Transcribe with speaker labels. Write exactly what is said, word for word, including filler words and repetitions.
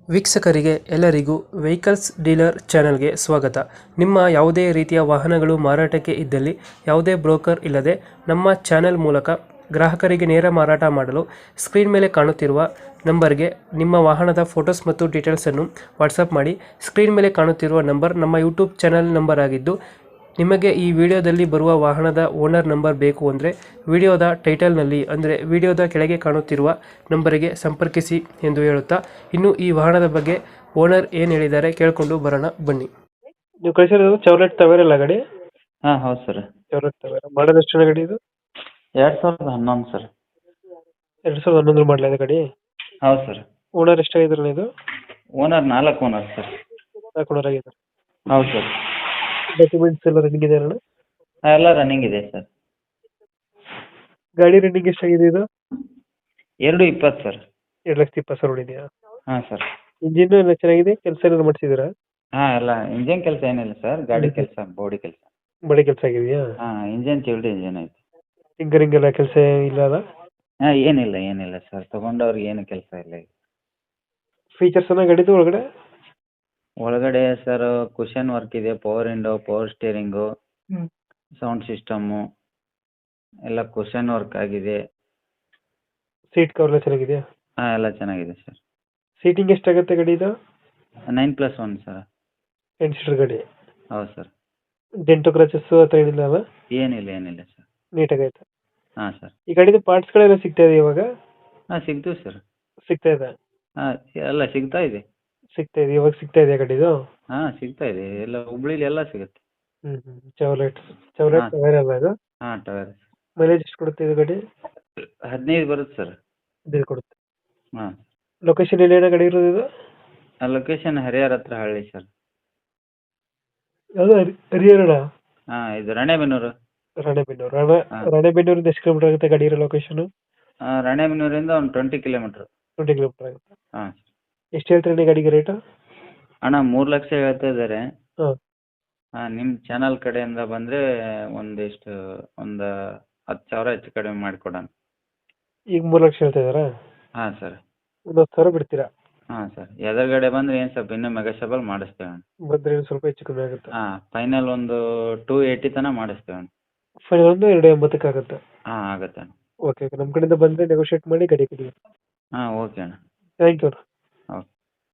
Speaker 1: ವೀಕ್ಷಕರಿಗೆ ಎಲ್ಲರಿಗೂ vehicles dealer ಚಾನೆಲ್ಗೆ ಸ್ವಾಗತ. ನಿಮ್ಮ ಯಾವುದೇ ರೀತಿಯ ವಾಹನಗಳು ಮಾರಾಟಕ್ಕೆ ಇದ್ದಲ್ಲಿ ಯಾವುದೇ ಬ್ರೋಕರ್ ಇಲ್ಲದೆ ನಮ್ಮ ಚಾನೆಲ್ ಮೂಲಕ ಗ್ರಾಹಕರಿಗೆ ನೇರ ಮಾರಾಟ ಮಾಡಲು ಸ್ಕ್ರೀನ್ ಮೇಲೆ ಕಾಣುತ್ತಿರುವ ನಂಬರ್ಗೆ ನಿಮ್ಮ ವಾಹನದ ಫೋಟೋಸ್ ಮತ್ತು ಡೀಟೇಲ್ಸನ್ನು ವಾಟ್ಸಪ್ ಮಾಡಿ. ಸ್ಕ್ರೀನ್ ಮೇಲೆ ಕಾಣುತ್ತಿರುವ ನಂಬರ್ ನಮ್ಮ ಯೂಟ್ಯೂಬ್ ಚಾನೆಲ್ ನಂಬರ್ ಆಗಿದ್ದು, ನಿಮಗೆ ಈ ವಿಡಿಯೋದಲ್ಲಿ ಬರುವ ವಾಹನದ ಓನರ್ ನಂಬರ್ ಬೇಕು ಅಂದರೆ ವಿಡಿಯೋದ ಟೈಟಲ್ನಲ್ಲಿ ಅಂದರೆ ವಿಡಿಯೋದ ಕೆಳಗೆ ಕಾಣುತ್ತಿರುವ ನಂಬರಿಗೆ ಸಂಪರ್ಕಿಸಿ ಎಂದು ಹೇಳುತ್ತಾ, ಇನ್ನು ಈ ವಾಹನದ ಬಗ್ಗೆ ಓನರ್ ಏನು ಹೇಳಿದ್ದಾರೆ ಕೇಳಿಕೊಂಡು ಬರೋಣ ಬನ್ನಿ. ನೀವು ಕಳಿಸಿರೋದು ಚೌಲೆಟ್ ತವೇರಲ್ಲ ಗಾಡಿ?
Speaker 2: ಹಾಂ ಹೌದು ಸರ್.
Speaker 1: ಚೌಲೆಟ್ ತವೇರ ಮಾಡೋದು ಎಷ್ಟು ಗಾಡಿ ಇದು?
Speaker 2: ಎರಡು ಸಾವಿರದ ಹನ್ನೊಂದು ಸರ್.
Speaker 1: ಎರಡು ಸಾವಿರದ ಹನ್ನೊಂದು ಮಾಡಲಿದೆ ಗಾಡಿ?
Speaker 2: ಹೌದು ಸರ್.
Speaker 1: ಓನರ್ ಎಷ್ಟಾಗಿದ್ರಲ್ಲ ಇದು?
Speaker 2: ಓನರ್ ನಾಲ್ಕು ಓನರ್ ಸರ್.
Speaker 1: ನಾಲ್ಕು ಓನರ್ ಆಗಿದ್ದಾರೆ.
Speaker 2: ಹೌದು ಸರ್.
Speaker 1: ಡಾಕ್ಯುಮೆಂಟ್ಸ್ ಎಲ್ಲ ರನ್ನಿಂಗ್ ಇದೆ ಅಣ್ಣ?
Speaker 2: ಹಾಂ ಎಲ್ಲ ರನ್ನಿಂಗ್ ಇದೆ ಸರ್.
Speaker 1: ಗಾಡಿ ರನ್ನಿಂಗ್ ಎಷ್ಟಾಗಿದೆ ಇದು?
Speaker 2: ಎರಡು ಇಪ್ಪತ್ತು ಸರ್.
Speaker 1: ಎರಡು ಲಕ್ಷದ ಇಪ್ಪತ್ತು ಸಾವಿರ ಹೊಡಿದೆಯಾ?
Speaker 2: ಹಾಂ ಸರ್.
Speaker 1: ಇಂಜಿನ್ ಎಲ್ಲ ಚೆನ್ನಾಗಿದೆ, ಕೆಲಸ ಏನಾದ್ರು ಮಾಡಿಸಿದ್ದೀರಾ?
Speaker 2: ಹಾಂ ಎಲ್ಲ ಇಂಜಿನ್ ಕೆಲಸ ಏನಿಲ್ಲ ಸರ್, ಗಾಡಿ ಕೆಲಸ ಬಾಡಿ ಕೆಲಸ.
Speaker 1: ಬಡಿ ಕೆಲಸ ಆಗಿದೆಯಾ?
Speaker 2: ಹಾಂ ಇಂಜಿನ್ ಚಿಲ್ಡ್ ಇಂಜಿನ್ ಐತೆ.
Speaker 1: ಟಿಂಕರಿಂಗ್ ಎಲ್ಲ ಕೆಲಸ ಇಲ್ಲ ಅಲ್ಲ?
Speaker 2: ಹಾಂ ಏನಿಲ್ಲ ಏನಿಲ್ಲ ಸರ್, ತೊಗೊಂಡವ್ರಿಗೆ ಏನು ಕೆಲಸ ಇಲ್ಲ ಈಗ.
Speaker 1: ಫೀಚರ್ಸ್ ಎಲ್ಲ ಗಾಡಿದು ಒಳಗಡೆ?
Speaker 2: ಒಳಗಡೆ ಸರ್ ಕುಷನ್ ವರ್ಕ್ ಇದೆ, power window, power steering, sound system ಎಲ್ಲ ಕುಷನ್ ವರ್ಕ್ ಆಗಿದೆ.
Speaker 1: ಸೀಟ್ ಕವರ್ ಎಲ್ಲ ಚೆನ್ನಾಗಿದೆಯಾ?
Speaker 2: ಹಾಂ ಎಲ್ಲ ಚೆನ್ನಾಗಿದೆ ಸರ್.
Speaker 1: ಸೀಟಿಂಗ್ ಎಷ್ಟಾಗುತ್ತೆ ಗಾಡಿ ಇದು?
Speaker 2: Nine plus one sir.
Speaker 1: Ten seater ಗಾಡಿ?
Speaker 2: ಹೌದು ಸರ್.
Speaker 1: ಡೆಂಟು ಕ್ರಚಸ್ಸು ಆ ಥರ ಏನಿಲ್ಲ ಅಲ್ಲ?
Speaker 2: ಏನಿಲ್ಲ ಏನಿಲ್ಲ ಸರ್.
Speaker 1: ನೀಟಾಗೈತೆ.
Speaker 2: ಹಾಂ ಸರ್.
Speaker 1: ಈ ಗಾಡಿದು ಪಾರ್ಟ್ಸ್ಗಳೆಲ್ಲ ಸಿಗ್ತಾ ಇದೆ ಇವಾಗ?
Speaker 2: ಹಾಂ ಸಿಗ್ತೀವಿ ಸರ್.
Speaker 1: ಸಿಗ್ತಾ ಇದೆ?
Speaker 2: ಹಾಂ ಎಲ್ಲ ಸಿಗ್ತಾ ಇದೆ.
Speaker 1: ಸಿಗ್ತಾ ಇದೆ ಇವಾಗ ಸಿಗ್ತಾ ಇದೆ ಗಾಡಿದು?
Speaker 2: ಹಾಂ ಸಿಗ್ತಾ ಇದೆ, ಎಲ್ಲ ಹುಬ್ಳಿಲಿ ಎಲ್ಲ ಸಿಗುತ್ತೆ.
Speaker 1: ಹ್ಞೂ ಹ್ಞೂ ಚೌಲೆಟ್ ಚೌಲೆಟ್
Speaker 2: ಹಾಂ.
Speaker 1: ಟವೇರ ಅಲ್ಲ ಇದು?
Speaker 2: ಹಾಂ ಟವೇರ.
Speaker 1: ಮೈಲೇಜ್ ಎಷ್ಟು ಕೊಡುತ್ತೆ ಇದು ಗಾಡಿ?
Speaker 2: ಹದಿನೈದು ಬರುತ್ತೆ ಸರ್.
Speaker 1: ಹದಿನೈದು ಕೊಡುತ್ತೆ.
Speaker 2: ಹಾಂ.
Speaker 1: ಲೊಕೇಶನ್ ಎಲ್ಲಿ ಏನೋ ಗಾಡಿ ಇರೋದು ಇದು?
Speaker 2: ಲೊಕೇಶನ್ ಹರಿಹರ ಹತ್ರ ಹಳ್ಳಿ ಸರ್.
Speaker 1: ಯಾವುದು ಹರಿಹರಣ?
Speaker 2: ಹಾಂ ಇದು ರಾಣೆಬೆನ್ನೂರು.
Speaker 1: ರಾಣೆಬೆನ್ನೂರು ರಾಣೆ
Speaker 2: ಹಾಂ.
Speaker 1: ರಾಣೆಬೆನ್ನೂರಿಂದ ಎಷ್ಟು ಕಿಲೋಮೀಟರ್ ಆಗುತ್ತೆ ಗಾಡಿ ಇರೋ ಲೊಕೇಶನು?
Speaker 2: ಹಾಂ ರಾಣೆಬೆನ್ನೂರಿಂದ ಒಂದು ಟ್ವೆಂಟಿ ಕಿಲೋಮೀಟ್ರ್.
Speaker 1: ಟ್ವೆಂಟಿ ಕಿಲೋಮೀಟರ್ ಆಗುತ್ತೆ.
Speaker 2: ಹಾಂ.
Speaker 1: ಎಷ್ಟು ಹೇಳ್ತೀರಿ ಗಾಡಿಗೆ ರೇಟು?
Speaker 2: ಅಣ್ಣ ಮೂರು ಲಕ್ಷ ಹೇಳ್ತಾ ಇದ್ದಾರೆ.
Speaker 1: ಹಾಂ.
Speaker 2: ಹಾಂ ನಿಮ್ಮ ಚಾನಲ್ ಕಡೆಯಿಂದ ಬಂದರೆ ಒಂದಿಷ್ಟು ಒಂದು ಹತ್ತು ಸಾವಿರ ಹೆಚ್ಚು ಕಡಿಮೆ ಮಾಡಿಕೊಡೋಣ.
Speaker 1: ಈಗ ಮೂರು ಲಕ್ಷ ಹೇಳ್ತಾ ಇದ್ದಾರಾ?
Speaker 2: ಹಾಂ ಸರ್.
Speaker 1: ಒಂದು ಹತ್ತು ಸಾವಿರ ಬಿಡ್ತೀರಾ?
Speaker 2: ಹಾಂ ಸರ್, ಎದುರುಗಡೆ ಬಂದರೆ ಏನು ಸ್ವಲ್ಪ ಇನ್ನೂ ಮೆಗಾಶಬಲ್ ಮಾಡಿಸ್ತೇವೆ ಅಣ್ಣ.
Speaker 1: ಬಂದರೆ ಸ್ವಲ್ಪ ಹೆಚ್ಚು ಕಮ್ಮಿ ಆಗುತ್ತೆ.
Speaker 2: ಹಾಂ ಫೈನಲ್ ಒಂದು ಟೂ ಏಯ್ಟಿ ತನಕ ಮಾಡಿಸ್ತೇವೆ ಅಣ್ಣ.
Speaker 1: ಫೈನಲ್ ಒಂದು ಎರಡು ಎಂಬತ್ತಕ್ಕೆ ಆಗುತ್ತೆ.
Speaker 2: ಹಾಂ ಆಗುತ್ತೆ ಅಣ್ಣ.
Speaker 1: ಓಕೆ ಓಕೆ ನಮ್ಮ ಕಡೆಯಿಂದ ಬಂದರೆ ನೆಗೋಷಿಯೇಟ್ ಮಾಡಿ ಗಾಡಿ ಕೊಡಿ.
Speaker 2: ಹಾಂ ಓಕೆ ಅಣ್ಣ.
Speaker 1: Thank you.